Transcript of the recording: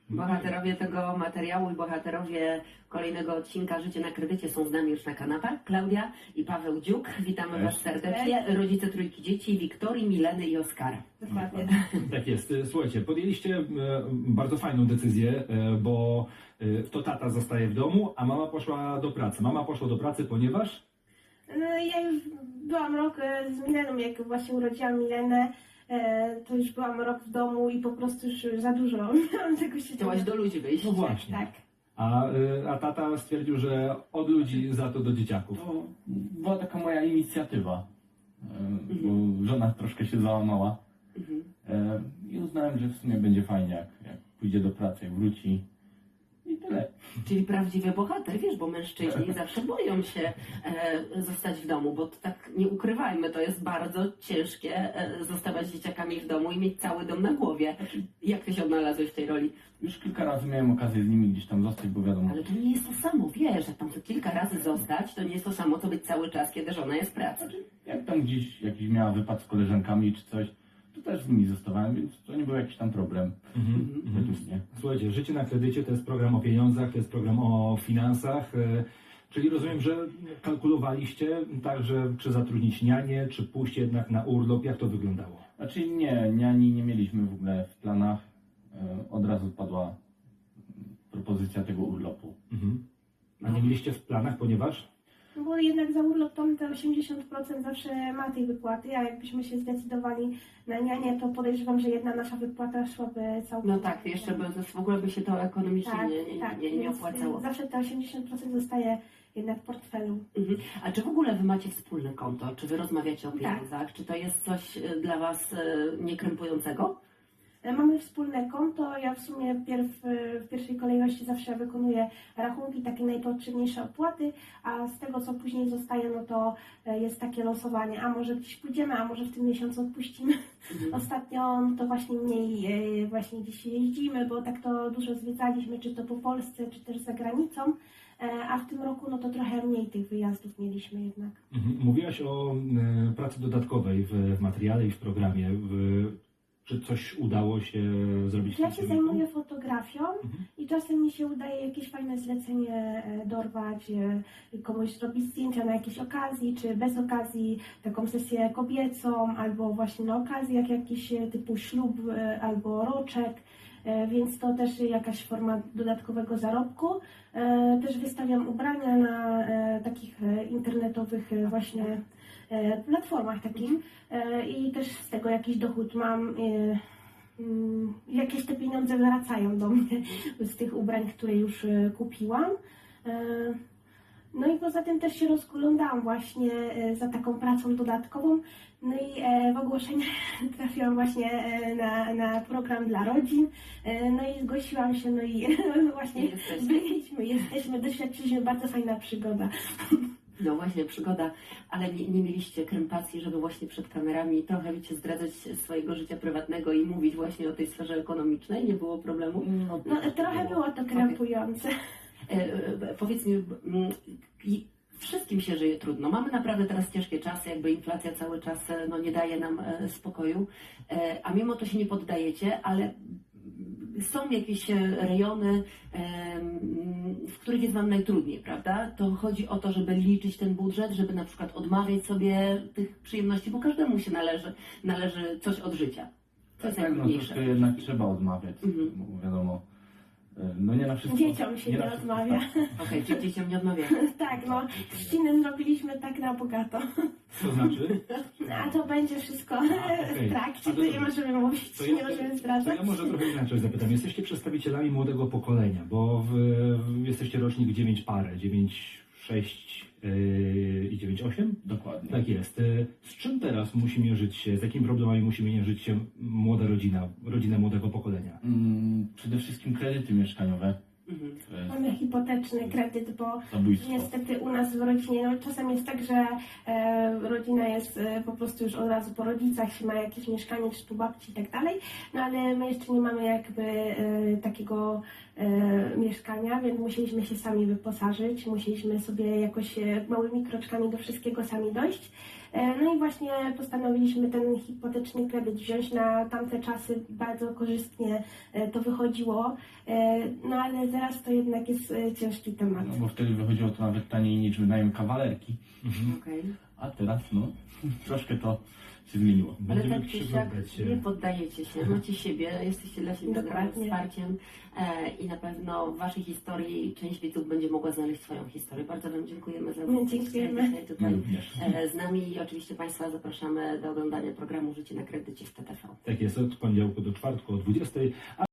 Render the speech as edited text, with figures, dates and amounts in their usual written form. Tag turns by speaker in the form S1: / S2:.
S1: Bohaterowie tego materiału i bohaterowie kolejnego odcinka Życie na kredycie są z nami już na kanapach. Klaudia i Paweł Dziuk. Witamy Was serdecznie. Rodzice trójki dzieci, Wiktorii, Mileny i Oskara.
S2: Dokładnie.
S3: Tak jest. Słuchajcie, podjęliście bardzo fajną decyzję, bo to tata zostaje w domu, a mama poszła do pracy. Mama poszła do pracy, ponieważ...
S2: No, ja już byłam rok z Mileną, jak właśnie urodziłam Milenę, to już byłam rok w domu i po prostu już za dużo miałam tego się.
S1: Chciałaś do ludzi wyjść.
S3: No właśnie.
S2: Tak.
S3: A tata stwierdził, że od ludzi za to do dzieciaków.
S4: To była taka moja inicjatywa, bo żona troszkę się załamała i uznałem, że w sumie będzie fajnie, jak pójdzie do pracy, jak wróci i tyle.
S1: Czyli prawdziwy bohater, wiesz, bo mężczyźni zawsze boją się zostać w domu, bo to tak nie ukrywajmy, to jest bardzo ciężkie zostawać z dzieciakami w domu i mieć cały dom na głowie. Jak Ty się odnalazłeś w tej roli?
S4: Już kilka razy miałem okazję z nimi gdzieś tam zostać, bo wiadomo...
S1: Ale to nie jest to samo, wiesz, jak tam co kilka razy zostać, to nie jest to samo, co być cały czas, kiedy żona jest w pracy.
S4: Jak tam gdzieś jakiś miała wypad z koleżankami czy coś, to też z nimi zostawałem, więc to nie był jakiś tam problem. Według mnie.
S3: Słuchajcie, Życie na kredycie to jest program o pieniądzach, to jest program o finansach, czyli rozumiem, że kalkulowaliście także, czy zatrudnić nianię, czy pójść jednak na urlop, jak to wyglądało?
S4: Znaczy nie, niani nie mieliśmy w ogóle w planach. Od razu padła propozycja tego urlopu.
S3: A nie mieliście w planach, ponieważ?
S2: No bo jednak za urlop to te 80% zawsze ma tej wypłaty, a jakbyśmy się zdecydowali na nianię, to podejrzewam, że jedna nasza wypłata szłaby całkowicie.
S1: No tak, jeszcze w ogóle by się to ekonomicznie nie
S2: więc
S1: opłacało.
S2: Zawsze te 80% zostaje jednak w portfelu.
S1: A czy w ogóle Wy macie wspólne konto? Czy Wy rozmawiacie o pieniądzach?
S2: Tak.
S1: Czy to jest coś dla Was niekrępującego?
S2: Mamy wspólne konto, ja w sumie w pierwszej kolejności zawsze wykonuję rachunki, takie najpotrzebniejsze opłaty, a z tego co później zostaje, no to jest takie losowanie, a może gdzieś pójdziemy, a może w tym miesiącu odpuścimy. Ostatnio no to właśnie mniej właśnie gdzieś jeździmy, bo tak to dużo zwiedzaliśmy, czy to po Polsce, czy też za granicą, a w tym roku no to trochę mniej tych wyjazdów mieliśmy jednak.
S3: Mówiłaś o pracy dodatkowej w materiale i w programie. Czy coś udało się zrobić?
S2: Ja się zajmuję fotografią i czasem mi się udaje jakieś fajne zlecenie dorwać, komuś zrobić zdjęcia na jakiejś okazji, czy bez okazji, taką sesję kobiecą, albo właśnie na okazji, jak jakiś typu ślub albo roczek, więc to też jakaś forma dodatkowego zarobku. Też wystawiam ubrania na takich internetowych właśnie platformach takich i też z tego jakiś dochód mam. Jakieś te pieniądze wracają do mnie z tych ubrań, które już kupiłam. No i poza tym też się rozglądałam właśnie za taką pracą dodatkową. No i w ogłoszeniach trafiłam właśnie na program dla rodzin. No i zgłosiłam się, no i właśnie jesteśmy, doświadczyliśmy, bardzo fajna przygoda.
S1: No właśnie, przygoda, ale nie mieliście krępacji, żeby właśnie przed kamerami trochę, wiecie, zdradzać swojego życia prywatnego i mówić właśnie o tej sferze ekonomicznej? Nie było problemu?
S2: No trochę było to krępujące.
S1: Powiedz mi, wszystkim się żyje trudno. Mamy naprawdę teraz ciężkie czasy, jakby inflacja cały czas nie daje nam spokoju, a mimo to się nie poddajecie, ale są jakieś rejony, w których jest Wam najtrudniej, prawda? To chodzi o to, żeby liczyć ten budżet, żeby na przykład odmawiać sobie tych przyjemności, bo każdemu się należy coś od życia. To jest
S4: Tak, no
S1: najtrudniejsze.
S4: to jednak trzeba odmawiać, bo wiadomo, no nie na wszystko.
S2: Dzieciom się nie odmawia.
S1: Okej, czyli dzieciom nie odmawia.
S2: Tak, no, trzciny zrobiliśmy tak na bogato.
S3: Co znaczy?
S2: A to będzie wszystko
S3: okej.
S2: w trakcie,
S3: A
S2: to nie możemy mówić, nie możemy
S3: To
S2: zdradzać.
S3: ja może trochę inaczej zapytam. Jesteście przedstawicielami młodego pokolenia, bo jesteście rocznik 9 parę, 9, 6 i 9, 8?
S4: Dokładnie.
S3: Tak jest. Z czym teraz musi mierzyć się, z jakimi problemami musi mierzyć się młoda rodzina młodego pokolenia?
S4: Przede wszystkim kredyty mieszkaniowe. To jest
S2: Mamy hipoteczny kredyt, bo
S4: zabójstwo.
S2: niestety u nas w rodzinie, no czasem jest tak, że rodzina jest po prostu już od razu po rodzicach, się ma jakieś mieszkanie, czy po babci i tak dalej, no ale my jeszcze nie mamy jakby takiego mieszkania, więc musieliśmy się sami wyposażyć, musieliśmy sobie jakoś małymi kroczkami do wszystkiego sami dojść. No i właśnie postanowiliśmy ten hipoteczny kredyt wziąć na tamte czasy, bardzo korzystnie to wychodziło, no ale teraz to jednak jest ciężki temat.
S4: No bo wtedy wychodziło to nawet taniej niż wynajem kawalerki,
S1: Okej.
S4: a teraz no troszkę to się zmieniło.
S1: Ale
S3: Będziemy
S1: tak czy siak
S3: przyglądać się.
S1: nie poddajecie się, macie siebie, jesteście dla siebie ogromnym
S2: Dokładnie.
S1: wsparciem i na pewno w Waszej historii część widzów będzie mogła znaleźć swoją historię. Bardzo Wam dziękujemy za
S2: Dziękujemy.
S1: dzisiaj tutaj
S4: również.
S1: z nami i oczywiście Państwa zapraszamy do oglądania programu Życie na kredycie w TTV.
S3: Tak jest, od poniedziałku do czwartku o 20:00.